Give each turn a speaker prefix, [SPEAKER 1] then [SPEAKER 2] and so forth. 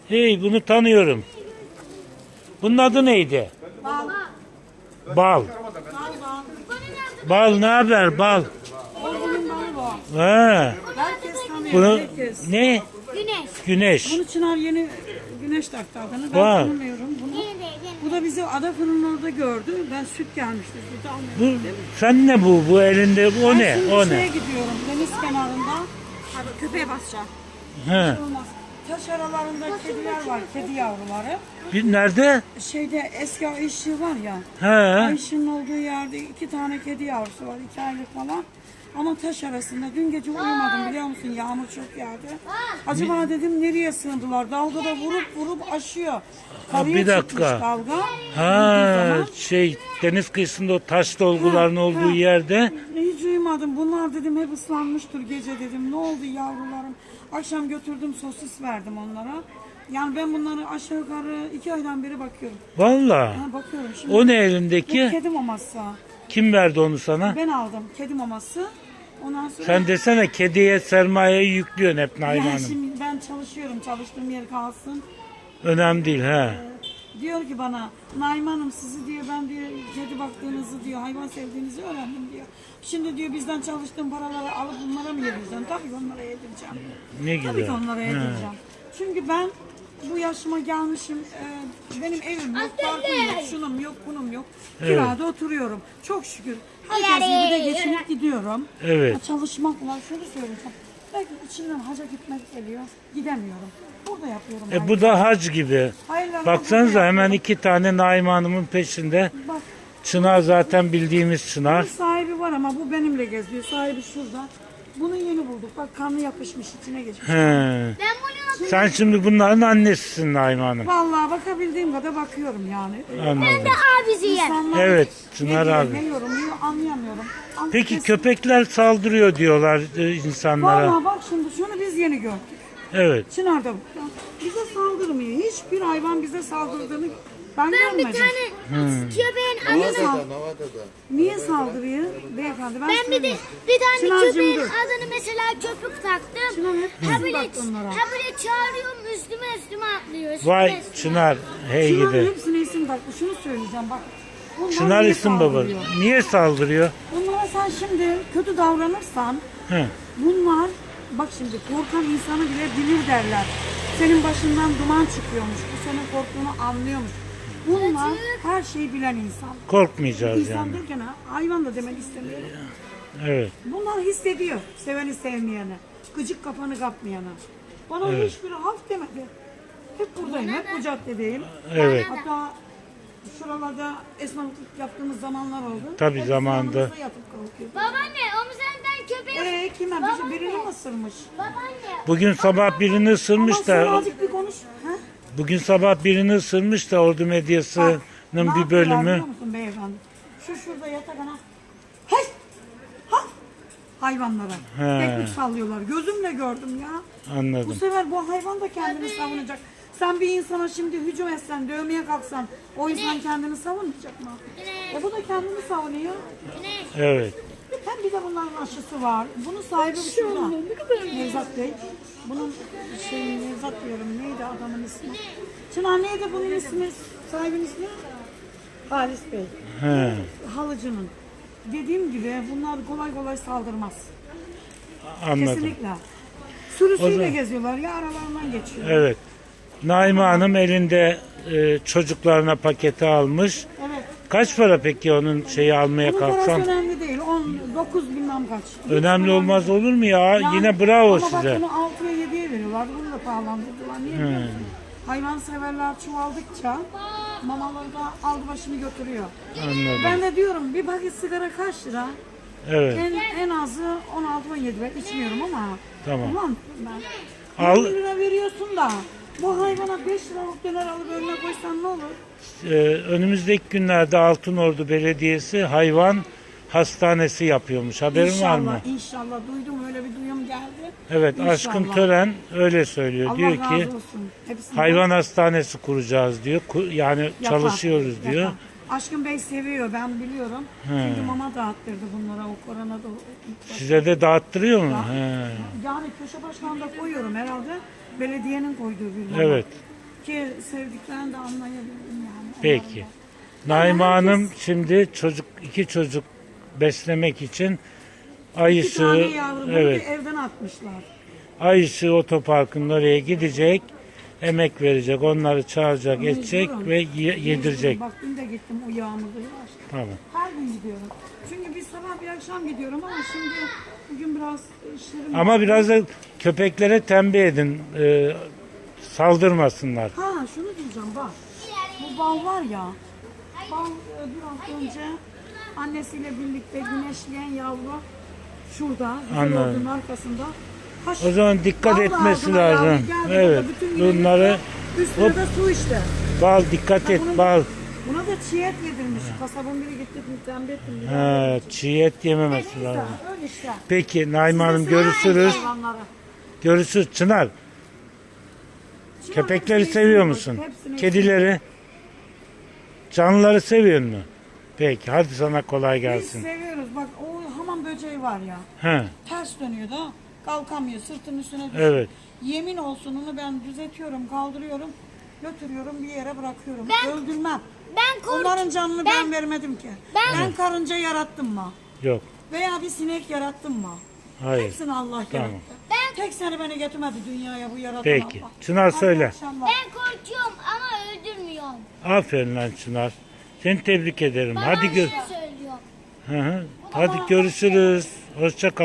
[SPEAKER 1] Hey, bunu tanıyorum. Bunun adı neydi?
[SPEAKER 2] Bal.
[SPEAKER 1] Bal.
[SPEAKER 2] Bal bal.
[SPEAKER 1] Bal ne haber bal?
[SPEAKER 2] Oğlumun balı bu.
[SPEAKER 1] Ha.
[SPEAKER 2] Herkes tanıyor.
[SPEAKER 1] Bunu
[SPEAKER 2] Herkes.
[SPEAKER 1] ne?
[SPEAKER 3] Güneş.
[SPEAKER 1] Güneş.
[SPEAKER 2] Bunu Çınar yeni güneş taktı adını. Ben
[SPEAKER 1] Vay.
[SPEAKER 2] tanımıyorum bunu. Bu da bizi Adapınar'ın orada gördü. Ben süt gelmişti. Sütü almaya
[SPEAKER 1] Bu
[SPEAKER 2] gittim.
[SPEAKER 1] sen ne bu? Bu elinde o
[SPEAKER 2] Ben
[SPEAKER 1] ne?
[SPEAKER 2] şimdi
[SPEAKER 1] O
[SPEAKER 2] şeye
[SPEAKER 1] ne?
[SPEAKER 2] gidiyorum. Deniz kenarında. Abi köpeğe basacağım.
[SPEAKER 1] He.
[SPEAKER 2] Olmaz. Taş aralarında kediler var. Kedi yavruları.
[SPEAKER 1] Bir nerede?
[SPEAKER 2] Şeyde eski Ayşe var ya.
[SPEAKER 1] He.
[SPEAKER 2] Ayşe'nin olduğu yerde 2 tane kedi yavrusu var. 2 aylık falan. Ama taş arasında. Dün gece uyumadım biliyor musun? Yağmur çok yağdı. Acaba dedim nereye sığındılar? Dalga da vurup aşıyor. Karaya
[SPEAKER 1] bir dakika.
[SPEAKER 2] çıkmış dalga.
[SPEAKER 1] Ha, deniz kıyısında o taş dolguların olduğu yerde.
[SPEAKER 2] Hiç uyumadım. Bunlar dedim hep ıslanmıştır gece dedim. Ne oldu yavrularım? Akşam götürdüm sosis verdim onlara. Yani ben bunları aşağı yukarı 2 aydan beri bakıyorum.
[SPEAKER 1] Valla.
[SPEAKER 2] Ha, bakıyorum şimdi.
[SPEAKER 1] O ne
[SPEAKER 2] Bu
[SPEAKER 1] elindeki?
[SPEAKER 2] kedi maması.
[SPEAKER 1] Kim verdi onu sana?
[SPEAKER 2] Ben aldım kedi maması. Ondan sonra
[SPEAKER 1] Sen desene kediye sermayeyi yüklüyorsun hep Naime
[SPEAKER 2] yani
[SPEAKER 1] Hanım.
[SPEAKER 2] şimdi ben çalışıyorum. Çalıştığım yer kalsın.
[SPEAKER 1] Önemli değil ha.
[SPEAKER 2] Diyor ki bana Naime Hanım sizi diyor ben diyor kedi baktığınızı diyor hayvan sevdiğinizi öğrendim diyor. Şimdi diyor bizden çalıştığım paraları alıp bunlara mı yedireceğim? Tabii ki onlara yedireceğim.
[SPEAKER 1] Ne
[SPEAKER 2] Tabii ki
[SPEAKER 1] güzel.
[SPEAKER 2] onlara yedireceğim. Çünkü ben bu yaşıma gelmişim. Benim evim yok, parkım yok, şunum yok, bunum yok. Kirada oturuyorum. Çok şükür. Herkes gibi de geçinip gidiyorum.
[SPEAKER 1] Evet.
[SPEAKER 2] Çalışmakla şunu söyleyeceğim. Belki içimden haca gitmek geliyor. Gidemiyorum. Burada yapıyorum.
[SPEAKER 1] Bu da hac gibi.
[SPEAKER 2] Hayırlarına
[SPEAKER 1] Baksanıza
[SPEAKER 2] burada
[SPEAKER 1] hemen
[SPEAKER 2] yapıyorum.
[SPEAKER 1] 2 tane Naime Hanım'ın peşinde.
[SPEAKER 2] Bak
[SPEAKER 1] Çınar zaten bildiğimiz Çınar.
[SPEAKER 2] bunun sahibi var ama bu benimle geziyor. Sahibi şurada. Bunu yeni bulduk. Bak kanı yapışmış içine geçmiş.
[SPEAKER 1] He.
[SPEAKER 3] Ben bunu
[SPEAKER 1] Sen şimdi bunların annesisin Naime Hanım.
[SPEAKER 2] Vallahi bakabildiğim kadar bakıyorum yani.
[SPEAKER 1] Anladım.
[SPEAKER 3] abisiyim.
[SPEAKER 2] İnsanlar
[SPEAKER 1] Evet,
[SPEAKER 2] ne
[SPEAKER 1] Çınar
[SPEAKER 2] diyor,
[SPEAKER 1] abi.
[SPEAKER 2] ne yorumluyor anlayamıyorum. Ama
[SPEAKER 1] Peki
[SPEAKER 2] kesin-
[SPEAKER 1] köpekler saldırıyor diyorlar insanlara.
[SPEAKER 2] Vallahi bak şimdi şunu biz yeni gördük.
[SPEAKER 1] Evet.
[SPEAKER 2] Çınar'da bu. Bize saldırmıyor. Hiçbir hayvan bize saldırdığını ben
[SPEAKER 3] Ben bir
[SPEAKER 2] görmedim.
[SPEAKER 3] tane köpeğin
[SPEAKER 2] Niye,
[SPEAKER 3] adını
[SPEAKER 2] niye saldırıyor beyefendi? Ben
[SPEAKER 3] ben bir de
[SPEAKER 2] söyleyeyim.
[SPEAKER 3] bir tane
[SPEAKER 2] Çınar'cığım
[SPEAKER 3] köpeğin
[SPEAKER 2] dur.
[SPEAKER 3] adını mesela köpük taktım.
[SPEAKER 2] Çınar hep
[SPEAKER 3] Ha
[SPEAKER 2] bizim
[SPEAKER 3] böyle,
[SPEAKER 2] baktı onlara.
[SPEAKER 3] ha böyle çağırıyorum üstüme atlıyor.
[SPEAKER 1] Vay Çınar hey
[SPEAKER 2] Çınar
[SPEAKER 1] gidi.
[SPEAKER 2] hepsine isim taktı. Şunu söyleyeceğim bak. Bunlar
[SPEAKER 1] Çınar
[SPEAKER 2] niye
[SPEAKER 1] isim baba.
[SPEAKER 2] saldırıyor?
[SPEAKER 1] Niye saldırıyor?
[SPEAKER 2] Bunlara sen şimdi kötü davranırsan
[SPEAKER 1] He.
[SPEAKER 2] bunlar bak şimdi korkan insanı bile bilir derler. Senin başından duman çıkıyormuş. Bu senin korktuğunu anlıyormuş. Bunlar her şeyi bilen insan.
[SPEAKER 1] Korkmayacağız
[SPEAKER 2] İnsan
[SPEAKER 1] yani.
[SPEAKER 2] derken hayvan da demek istemiyorum.
[SPEAKER 1] Evet.
[SPEAKER 2] Bunlar hissediyor. Seveni sevmeyene. Gıcık kafanı kapmayana. Bana hiçbiri haf demedi. Hep buradayım. Hep bu caddedeyim.
[SPEAKER 1] Evet.
[SPEAKER 2] Hatta şuralarda esnaflık yaptığımız zamanlar oldu.
[SPEAKER 1] Tabii
[SPEAKER 2] Hep
[SPEAKER 1] zamanında.
[SPEAKER 2] yanımızda yatıp kalkıyordu.
[SPEAKER 3] Babaanne o senden köpeği.
[SPEAKER 2] Kime? Birini mi ısırmış?
[SPEAKER 3] Babaanne.
[SPEAKER 1] Bugün sabah birini
[SPEAKER 2] Ama
[SPEAKER 1] ısırmış
[SPEAKER 2] sen
[SPEAKER 1] da
[SPEAKER 2] azıcık bir konuş. Ha?
[SPEAKER 1] bugün sabah birini ısırmış da Ordu Medyası'nın
[SPEAKER 2] Ne
[SPEAKER 1] bir
[SPEAKER 2] yapıyorlar
[SPEAKER 1] bölümü.
[SPEAKER 2] biliyor musun beyefendi? Şurada yatak ana. Hey! Ha! Hayvanlara.
[SPEAKER 1] He.
[SPEAKER 2] Teknik sallıyorlar. Gözümle gördüm ya. Bu
[SPEAKER 1] Anladım.
[SPEAKER 2] sefer bu hayvan da kendini savunacak. Sen bir insana şimdi hücum etsen, dövmeye kalksan o insan kendini savunmayacak mı? Bu da kendini savunuyor.
[SPEAKER 1] Evet.
[SPEAKER 2] Hem bir de bunların aşısı var. Bunun sahibi şurada. Nevzat Bey. Bunun Nevzat diyorum. Neydi adamın ismi? Çınar neydi bunun ismi? Sahibinin ismi? Halis Bey.
[SPEAKER 1] He.
[SPEAKER 2] Halıcının. Dediğim gibi bunlar kolay kolay saldırmaz.
[SPEAKER 1] Anladım.
[SPEAKER 2] Kesinlikle. Sürüsüyle
[SPEAKER 1] O zaman-
[SPEAKER 2] geziyorlar ya aralarından geçiyor.
[SPEAKER 1] Evet. Naime Hanım elinde çocuklarına paketi almış.
[SPEAKER 2] Evet.
[SPEAKER 1] Kaç para peki onun şeyi almaya
[SPEAKER 2] Bunun parası
[SPEAKER 1] kalksan?
[SPEAKER 2] önemli değil. 19 bilmem kaç.
[SPEAKER 1] Önemli olmaz olur mu ya?
[SPEAKER 2] Yani-
[SPEAKER 1] Yine bravo
[SPEAKER 2] ama
[SPEAKER 1] size.
[SPEAKER 2] bak bunu 6'ya 7'ye veriyorlar. Bunu da pahalandırdılar. Niye biliyor musun? Hayvanseverler çoğaldıkça mamaları da aldı başını götürüyor.
[SPEAKER 1] Anladım.
[SPEAKER 2] Ben de diyorum bir paket sigara kaç lira?
[SPEAKER 1] Evet.
[SPEAKER 2] En azı 16-17 ben içmiyorum ama.
[SPEAKER 1] Tamam.
[SPEAKER 2] Ulan ben.
[SPEAKER 1] Al.
[SPEAKER 2] 20 lira veriyorsun da bu hayvana 5 liralık döner alıp önüne koysan ne olur?
[SPEAKER 1] Önümüzdeki günlerde Altınordu Belediyesi hayvan hastanesi yapıyormuş. Haberin var mı?
[SPEAKER 2] İnşallah duydum öyle bir duyum geldi.
[SPEAKER 1] Evet,
[SPEAKER 2] İnşallah.
[SPEAKER 1] Aşkın Tören öyle söylüyor.
[SPEAKER 2] Allah
[SPEAKER 1] diyor
[SPEAKER 2] razı
[SPEAKER 1] ki
[SPEAKER 2] olsun. Hepsinden
[SPEAKER 1] hayvan hastanesi kuracağız diyor. Yani
[SPEAKER 2] yapar,
[SPEAKER 1] çalışıyoruz diyor.
[SPEAKER 2] yapar. Aşkın Bey seviyor ben biliyorum. Çünkü mama dağıttırdı bunlara o korona da.
[SPEAKER 1] Size de dağıttırıyor mu? He.
[SPEAKER 2] Yani köşe başlarında koyuyorum herhalde. Belediyenin koyduğu bir mama.
[SPEAKER 1] Evet.
[SPEAKER 2] ki sevdiklerini de anlayabildim yani.
[SPEAKER 1] Peki.
[SPEAKER 2] Onların da.
[SPEAKER 1] Naime
[SPEAKER 2] Yani
[SPEAKER 1] Hanım şimdi iki çocuk beslemek için Ay
[SPEAKER 2] İki tane
[SPEAKER 1] Işığı,
[SPEAKER 2] yavrumu
[SPEAKER 1] evet,
[SPEAKER 2] evden atmışlar.
[SPEAKER 1] Ay Işığı Otoparkı'nın oraya gidecek, emek verecek, onları çağıracak,
[SPEAKER 2] Mecburum.
[SPEAKER 1] edecek ve yedirecek.
[SPEAKER 2] Bak dün de gittim o yağmurda yavaş.
[SPEAKER 1] Tamam.
[SPEAKER 2] Her gün gidiyorum. Çünkü bir sabah bir akşam gidiyorum ama şimdi bugün biraz işlerim
[SPEAKER 1] Ama
[SPEAKER 2] var.
[SPEAKER 1] biraz da köpeklere tembih edin, saldırmasınlar.
[SPEAKER 2] Ha şunu diyeceğim bak. Bu bal var ya. Bal bir hafta önce annesiyle birlikte güneşleyen yavru şurada. Güzel
[SPEAKER 1] Anladım.
[SPEAKER 2] olduğunun arkasında.
[SPEAKER 1] O zaman dikkat
[SPEAKER 2] Vallahi
[SPEAKER 1] etmesi
[SPEAKER 2] ağzına yavru
[SPEAKER 1] lazım.
[SPEAKER 2] geldi,
[SPEAKER 1] Evet.
[SPEAKER 2] bütün gün
[SPEAKER 1] Bunları
[SPEAKER 2] üstüne
[SPEAKER 1] hop.
[SPEAKER 2] de su işte.
[SPEAKER 1] bal dikkat et, bal.
[SPEAKER 2] Buna da çiğ et yedirmiş. Kasabın biri gitti tembih ettim.
[SPEAKER 1] Ha, çiğ et yememesi lazım.
[SPEAKER 2] Öyle işte.
[SPEAKER 1] Peki Naime Hanım,
[SPEAKER 2] Size sever
[SPEAKER 1] görüşürüz.
[SPEAKER 2] hayvanları.
[SPEAKER 1] Görüşürüz. Çınar,
[SPEAKER 2] Çınar
[SPEAKER 1] köpekleri
[SPEAKER 2] hepsini
[SPEAKER 1] seviyor
[SPEAKER 2] seviyor,
[SPEAKER 1] musun?
[SPEAKER 2] hepsini
[SPEAKER 1] Kedileri? Canlıları seviyor musun? Peki, hadi sana kolay
[SPEAKER 2] Biz
[SPEAKER 1] gelsin.
[SPEAKER 2] seviyoruz. Bak o hamam böceği var ya.
[SPEAKER 1] Ha,
[SPEAKER 2] Ters dönüyor da kalkamıyor. Sırtının üstüne düşüyor.
[SPEAKER 1] evet.
[SPEAKER 2] Yemin olsun onu ben düzeltiyorum, kaldırıyorum, götürüyorum bir yere bırakıyorum.
[SPEAKER 3] Ben-
[SPEAKER 2] Öldürmem.
[SPEAKER 3] Ben korkuyorum.
[SPEAKER 2] Onların canını ben vermedim ki. Ben karınca yarattım mı?
[SPEAKER 1] Yok,
[SPEAKER 2] Veya bir sinek yarattım mı?
[SPEAKER 1] hayır.
[SPEAKER 2] Hepsini Allah
[SPEAKER 1] Tamam.
[SPEAKER 2] yarattı. Tek seni beni getirmedi dünyaya bu yaratan
[SPEAKER 1] Peki.
[SPEAKER 2] Allah.
[SPEAKER 1] Çınar
[SPEAKER 2] Hadi
[SPEAKER 1] söyle.
[SPEAKER 2] akşamlar.
[SPEAKER 3] Ben korkuyorum ama öldürmüyorum.
[SPEAKER 1] Aferin lan Çınar. Seni tebrik ederim.
[SPEAKER 3] Bana
[SPEAKER 1] Hadi
[SPEAKER 3] öyle söylüyor.
[SPEAKER 1] Hı hı. Hadi görüşürüz. Hoşça kal.